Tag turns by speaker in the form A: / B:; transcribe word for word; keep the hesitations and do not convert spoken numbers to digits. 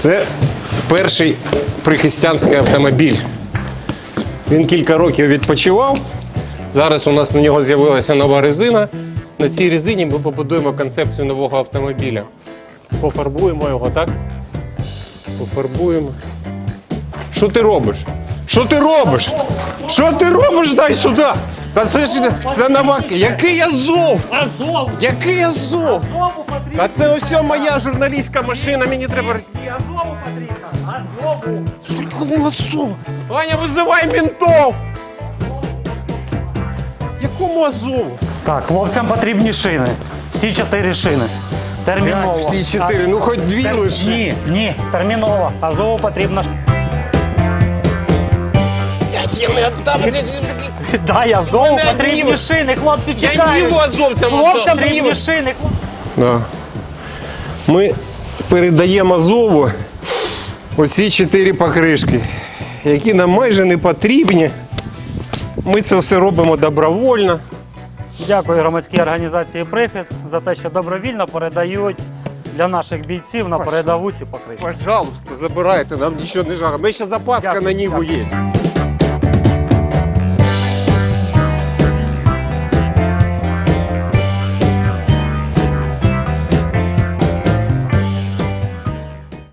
A: Це перший прихистянський автомобіль. Він кілька років відпочивав. Зараз у нас на нього з'явилася нова резина. На цій резині ми побудуємо концепцію нового автомобіля. Пофарбуємо його, так? Пофарбуємо. Що ти робиш? Що ти робиш? Що ти робиш? Дай сюди! Та це ж це нова. Який Азов?
B: Азов!
A: Який Азов?
B: Азову потрібно!
A: Та це ось моя журналістська машина, мені треба.
B: І Азову потрібно! Азову!
A: Що якому Азову? Ваня, визивай ментов! Якому Азову?
B: Так, хлопцям потрібні шини. Всі чотири шини. Терміново.
A: Всі чотири, ну хоч дві
B: Тер-
A: лише.
B: Ні, ні, терміново. Азову потрібно.
A: Я тебе не віддам.
B: Дай Азову
A: Мене
B: потрібні
A: одні-
B: шини, хлопці
A: Я
B: чекають.
A: Ніву азовцям
B: Хлопцям
A: віддам.
B: потрібні шини. хлоп-
A: Да. Ми передаємо Азову оці чотири покришки, які нам майже не потрібні. Ми це все робимо добровольно.
B: Дякую громадській організації «Прихист» за те, що добровільно передають для наших бійців на передову ці покришки.
A: Пожалуйста, забирайте, нам нічого не жалко. Ми ще запаска
B: Дякую,
A: на Ніву
B: дякую.
A: є.